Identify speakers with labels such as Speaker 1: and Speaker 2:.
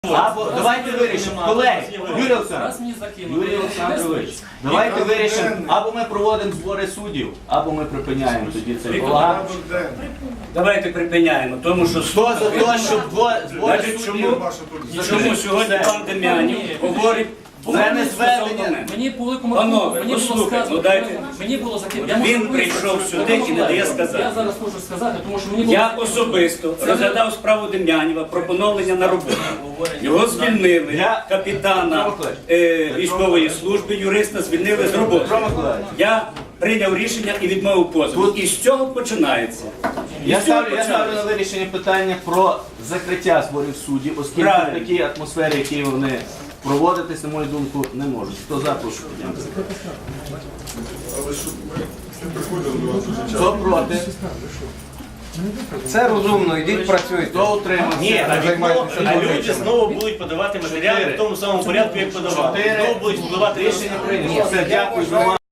Speaker 1: Або давайте вирішимо, колеги, Юрій Олександрович, давайте вирішимо, або ми проводимо збори суддів, або ми припиняємо тоді цей балаган.
Speaker 2: Давайте припиняємо, тому що
Speaker 1: Хто за те, щоб збори суддів?
Speaker 2: чому сьогодні пан Дем'янів говорить
Speaker 1: Це не зведення.
Speaker 3: Мені по великому
Speaker 2: Панове,
Speaker 3: мені було
Speaker 2: послухайте,
Speaker 3: сказано,
Speaker 2: ну дайте.
Speaker 3: мені було закинуто.
Speaker 2: Він прийшов сюди і не дає сказати.
Speaker 3: Я зараз можу сказати, тому що мені було
Speaker 2: Я особисто розглядав справу Дем'янєва про поновлення на роботу. Його звільнили, капітана військової служби, юриста звільнили з роботи. Я прийняв рішення і відмовив позов. І з цього починається.
Speaker 1: Я ставлю на вирішення питання про закриття зборів суддів, оскільки в такій атмосфері, які вони проводитись, на мою думку, не можуть. Хто за, прошу піднятися. Хто проти?
Speaker 4: Це розумно, йдіть працюйте.
Speaker 1: Хто утримався?
Speaker 5: Ні, а люди знову будуть подавати матеріали в тому самому порядку, як подавали. Знову будуть подавати
Speaker 1: Рішення прийнято. Все, дякую за увагу.